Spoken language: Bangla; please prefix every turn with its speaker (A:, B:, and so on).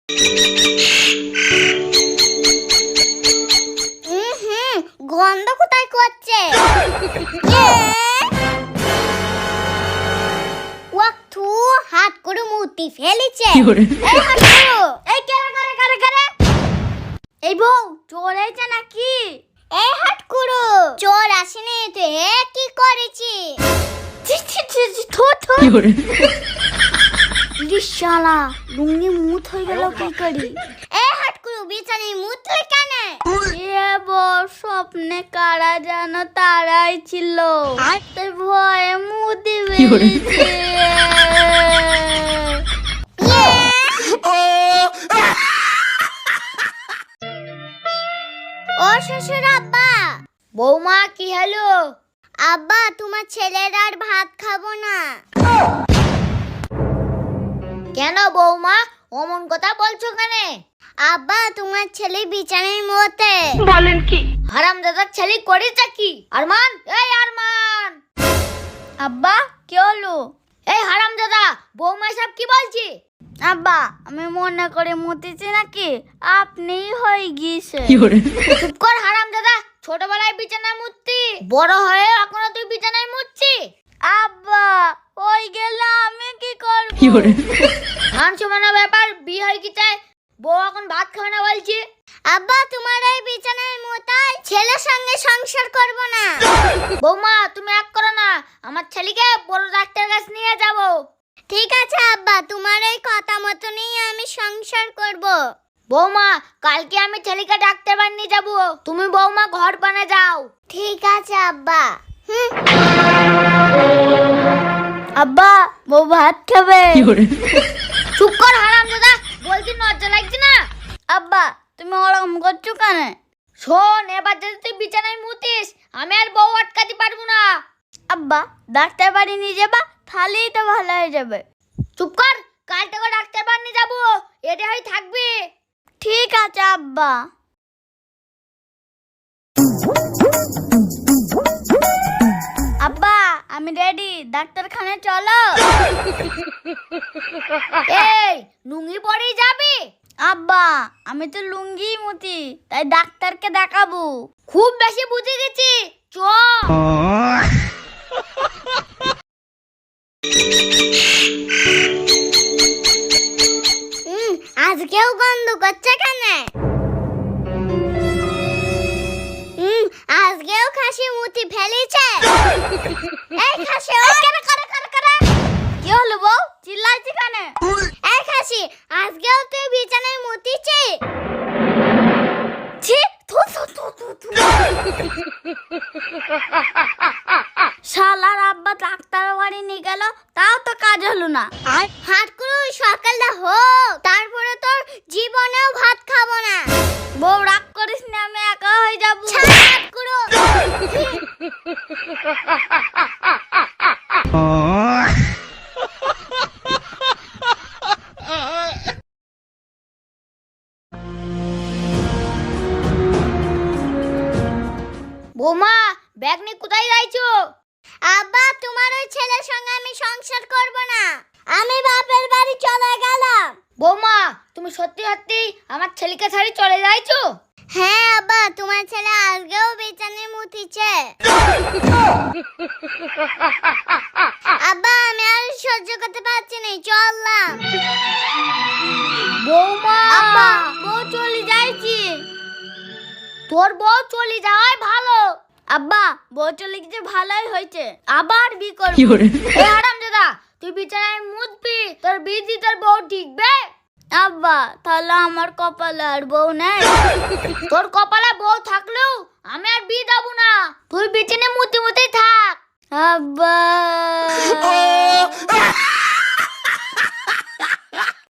A: গন্ধ কোথায় করছে? ওয়াক্তু হাত করে মুতি ফেলেছে। এই হাত করো, এই কারে এই বউ চোর হয়েছে নাকি? এই হাত করো, চোর আসেনি তো, কি করেছি? শালা লুঙ্গি মুত হয়ে গেল কি করি? এই হাত করো, বিছানায় মুতলে কেন? স্বপ্নে কারা যেন তারাই ছিল, ভয়ে মুতি বেরিয়েছে। ও শ্বশুর আব্বা। বৌমা কি হলো? আব্বা তোমার ছেলের আর ভাত খাবো না। কেন বৌমা অমন কথা বলছো কেন? আব্বা তোমার ছেলে বিছানায় মতে। বলেন কি? হারামজাদার ছেলে করেছে কি? আরমান, এই আরমান। আব্বা কি হলো? এই হারামজাদা, বৌমা সব কি বলছি? আব্বা আমি মনে করে মুতেছি নাকি? আপনিই হয়ে গিয়েছে। চুপ কর হারামজাদা, ছোটবেলায় বিছানায় মুততি, বড় হয়ে এখনো তুই বিছানায় মুতছি? আব্বা ওই গেলে আমি কি করব? মান সম্মানের ব্যাপার, বিয়ে হয়ে কি চাই, বউ এখন ভাত খাবে না বলছি। আব্বা তোমার এই বিছানায় মোতায় ছেলের সঙ্গে সংসার করব না। বৌমা তুমি এক করো না, আমার ছেলেকে বড় ডাক্তার কাছে নিয়ে যাব। ঠিক আছে আব্বা, তোমার এই কথা মতনই আমি সংসার করব। বৌমা কালকে আমি ছেলেকে ডাক্তার বানিয়ে যাব, তুমি বৌমা ঘর বানা যাও। ঠিক আছে আব্বা। আব্বা বউ ভাত খাবে। চুপ কর হারামজাদা, বলছি লজ্জা লাগছে না? আব্বা তুমি ওরকম করছো কেন? শোন, এবার যদি তুই বিছানায় মুতিস আমি আর বউ আটকাতে পারবো না। আব্বা ডাক্তার বাড়ি নিয়ে যাবা, তাহলেই তো ভালো হয়ে যাবে। চুপ কর, কাল থেকে ডাক্তার বাড়ি নিয়ে যাবো, এটা হয়ে থাকবি। ঠিক আছে আব্বা। আব্বা আমি রেডি, ডাক্তারখানে চলো। এই লুঙ্গি পরেই যাবি? আব্বা আমি তো লুঙ্গি মুতি, তাই ডাক্তারকে দেখাবো। খুব বেশি বুঝে গেছি, চ। আজকেও গন্ধ করছে কেন? আজকেও খাসি মুতি ফেলেছে। এই খাসি কি হলো বউ, চিল্লাইছি কেন? এই খাসি আজকেও তুই বিছানায় মুতিছি? ছি শালার আব্বা ডাক্তার বাড়ি নিয়ে গেল, তাও তো কাজ হলো না। হাত করে সকালটা হোক, তারপরে তোর জীবনেও ভাত খাবো না। বউ রাগ করিস না, আমি একা হয়ে যাবো। হাত করো। বৌমা ব্যাগ নিয়ে কোথায় যাইছো? আব্বা তোমার ওই ছেলের সঙ্গে আমি সংসার করব না, আমি বাপের বাড়ি চলে গেলাম। বৌমা তুমি সত্যি সত্যি আমার ছেলেকে ছাড়ি চলে যাইছো? হ্যাঁ আব্বা, তোমার ছেলে আজকেও বিছানায় মুতিছে। আব্বা আমি আর সহ্য করতে পারছি না, চললাম। বৌমা আব্বা বউ চলে যাইছি। তোর বউ চলে যাওয়াই ভালো। আব্বা বউ চলে গেছে ভালোই হয়েছে, আবার বিয়ে করবি। এই হারামজাদা তুই বিছানায় মুতবি, তোর বিয়ে তোর বউ ঠিকবে? আব্বা তাহলে আমার কপালে আর বউ নেই? তোর কপালে বউ থাকলেও আমি আর বিয়ে দেবো না, তুই বিছানে